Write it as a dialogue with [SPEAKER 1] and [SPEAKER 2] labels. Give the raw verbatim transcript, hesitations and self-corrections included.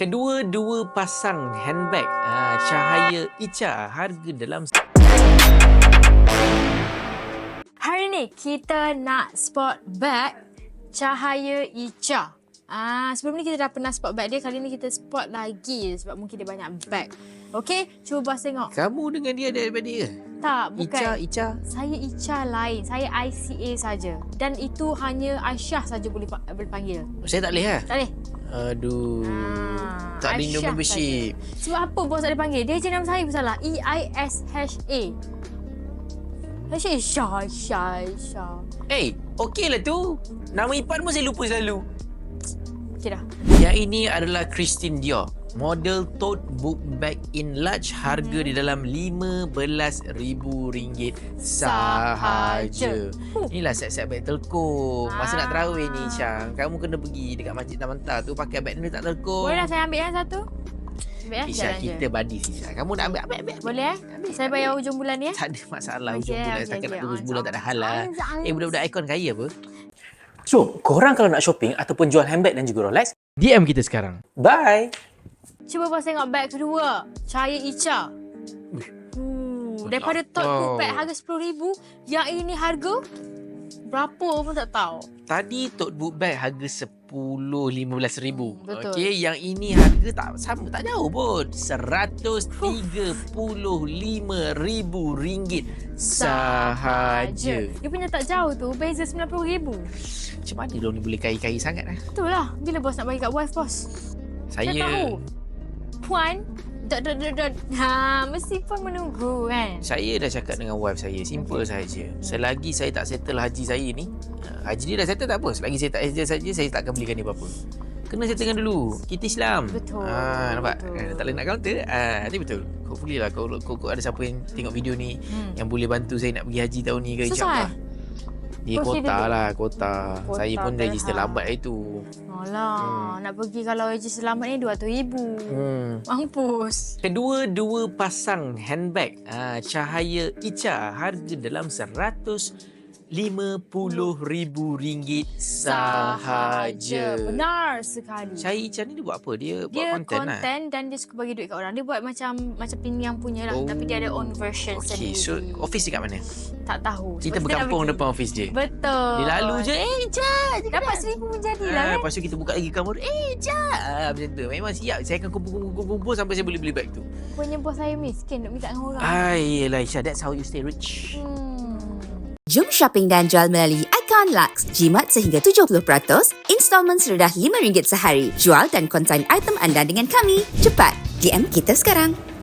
[SPEAKER 1] Kedua-dua pasang handbag uh, Cahaya Icha, harga dalam...
[SPEAKER 2] Hari ni kita nak spot bag Cahaya Icha. Ah, sebelum ni kita dah pernah spot bag dia. Kali ni kita spot lagi sebab mungkin dia banyak bag. Okey, cuba bos tengok.
[SPEAKER 1] Kamu dengan dia ada daripada dia?
[SPEAKER 2] Tak, bukan.
[SPEAKER 1] Icha, Icha.
[SPEAKER 2] Saya Icha lain. Saya I C A saja. Dan itu hanya Aisyah saja boleh boleh panggil.
[SPEAKER 1] Saya tak boleh lah?
[SPEAKER 2] Tak boleh.
[SPEAKER 1] Aduh.
[SPEAKER 2] Ah,
[SPEAKER 1] tak ada
[SPEAKER 2] Aisyah
[SPEAKER 1] membership.
[SPEAKER 2] saja. Sebab apa bos tak boleh panggil? Dia je nama saya pun salah. E I S H A. Aisyah, Aisyah, Aisyah, Aisyah.
[SPEAKER 1] Eh, okey lah tu. Nama Ipan pun saya lupa selalu.
[SPEAKER 2] Okey dah.
[SPEAKER 1] Yang ini adalah Christian Dior. Model tote book bag in large, harga hmm. di dalam lima belas ribu ringgit sahaja.
[SPEAKER 2] Uh.
[SPEAKER 1] Inilah set-set bag telkom. Masa
[SPEAKER 2] Ah.
[SPEAKER 1] nak tarawih ni, Syang, kamu kena pergi dekat Masjid Tamantar tu pakai bag ni tak telkom.
[SPEAKER 2] Boleh lah saya ambil yang satu. Ambil ya,
[SPEAKER 1] Isha, kita buddy Isha. Kamu nak ambil, ambil, ambil.
[SPEAKER 2] Boleh eh?
[SPEAKER 1] Ambil,
[SPEAKER 2] Saya
[SPEAKER 1] ambil.
[SPEAKER 2] bayar hujung bulan ni eh?
[SPEAKER 1] Tak ada masalah hujung
[SPEAKER 2] Okay,
[SPEAKER 1] bulan.
[SPEAKER 2] okay,
[SPEAKER 1] Setakat
[SPEAKER 2] okay.
[SPEAKER 1] nak tunggu sebulan tak ada hal lah. Eh, budak-budak ikon kaya apa?
[SPEAKER 3] So, korang kalau nak shopping ataupun jual handbag dan juga Rolex,
[SPEAKER 1] D M kita sekarang.
[SPEAKER 3] bye!
[SPEAKER 2] Cuba bos tengok bag kedua. Cahaya Icha. Uh, daripada top
[SPEAKER 1] Wow.
[SPEAKER 2] book bag harga sepuluh ribu, yang ini harga berapa pun tak tahu.
[SPEAKER 1] Tadi tote book bag harga sepuluh lima belas ribu.
[SPEAKER 2] Hmm, betul.
[SPEAKER 1] Okey, yang ini harga tak sama, tak jauh pun. seratus tiga puluh lima ribu ringgit sahaja.
[SPEAKER 2] Dia punya tak jauh tu, beza sembilan puluh ribu.
[SPEAKER 1] Macam mana diorang ni boleh kaya-kaya sangat lah?
[SPEAKER 2] Betul lah. Bila bos nak bagi kat wife bos?
[SPEAKER 1] Saya...
[SPEAKER 2] Saya tahu. Puan, dot dot dot dot. Ha, mesti pun menunggu kan.
[SPEAKER 1] Saya dah cakap dengan wife saya, simple sahaja. Selagi saya tak settle haji saya ni, haji dia dah settle tak apa. Selagi saya tak settle saja, saya tak akan belikan dia apa-apa. Kena settlekan dulu. Kita Islam.
[SPEAKER 2] Betul.
[SPEAKER 1] Ha, nampak?
[SPEAKER 2] Betul.
[SPEAKER 1] Eh, tak boleh nak counter. Ah, nanti betul. Hopefully lah kau, kau, kau ada siapa yang tengok video ni
[SPEAKER 2] Hmm.
[SPEAKER 1] yang boleh bantu saya nak pergi haji tahun ni ke,
[SPEAKER 2] Susah
[SPEAKER 1] insyaAllah.
[SPEAKER 2] eh?
[SPEAKER 1] Dia
[SPEAKER 2] Kau
[SPEAKER 1] kota
[SPEAKER 2] kira
[SPEAKER 1] lah, kota.
[SPEAKER 2] Kota
[SPEAKER 1] Saya pun
[SPEAKER 2] Berhad.
[SPEAKER 1] register lambat hari tu.
[SPEAKER 2] Alah, hmm. nak pergi kalau haji selamat ni dua ratus ribu.
[SPEAKER 1] Hmm.
[SPEAKER 2] Mampus.
[SPEAKER 1] Kedua-dua pasang handbag ah, Cahaya Icha, harga dalam seratus lima puluh ribu ringgit sahaja.
[SPEAKER 2] Benar sekali.
[SPEAKER 1] Cahaya Icha ni dia buat apa? Dia,
[SPEAKER 2] Dia
[SPEAKER 1] buat konten,
[SPEAKER 2] konten
[SPEAKER 1] lah.
[SPEAKER 2] dan dia suka bagi duit kat orang. Dia buat macam macam Pin Yang punya lah.
[SPEAKER 1] Oh.
[SPEAKER 2] Tapi dia ada own version
[SPEAKER 1] Okey,
[SPEAKER 2] sendiri.
[SPEAKER 1] so office dia kat mana?
[SPEAKER 2] Tak tahu.
[SPEAKER 1] Kita
[SPEAKER 2] Sebab
[SPEAKER 1] berkampung
[SPEAKER 2] nak pergi.
[SPEAKER 1] depan office dia.
[SPEAKER 2] Betul.
[SPEAKER 1] Dia lalu je, eh Icha.
[SPEAKER 2] Dapat seribu pun jadilah
[SPEAKER 1] Ah,
[SPEAKER 2] kan.
[SPEAKER 1] lepas tu kita buka lagi kamera, eh Icha. Ah, macam tu. Memang siap. Saya akan kumpul-kumpul sampai saya boleh beli bag tu.
[SPEAKER 2] Punya bos saya miskin nak minta dengan orang.
[SPEAKER 1] Ah, yelah Icha. That's how you stay rich.
[SPEAKER 2] Hmm.
[SPEAKER 4] Jom shopping dan jual melalui Icon Lux. Jimat sehingga tujuh puluh peratus, installment serendah lima ringgit sehari. Jual dan konsign item anda dengan kami. Cepat, D M kita sekarang.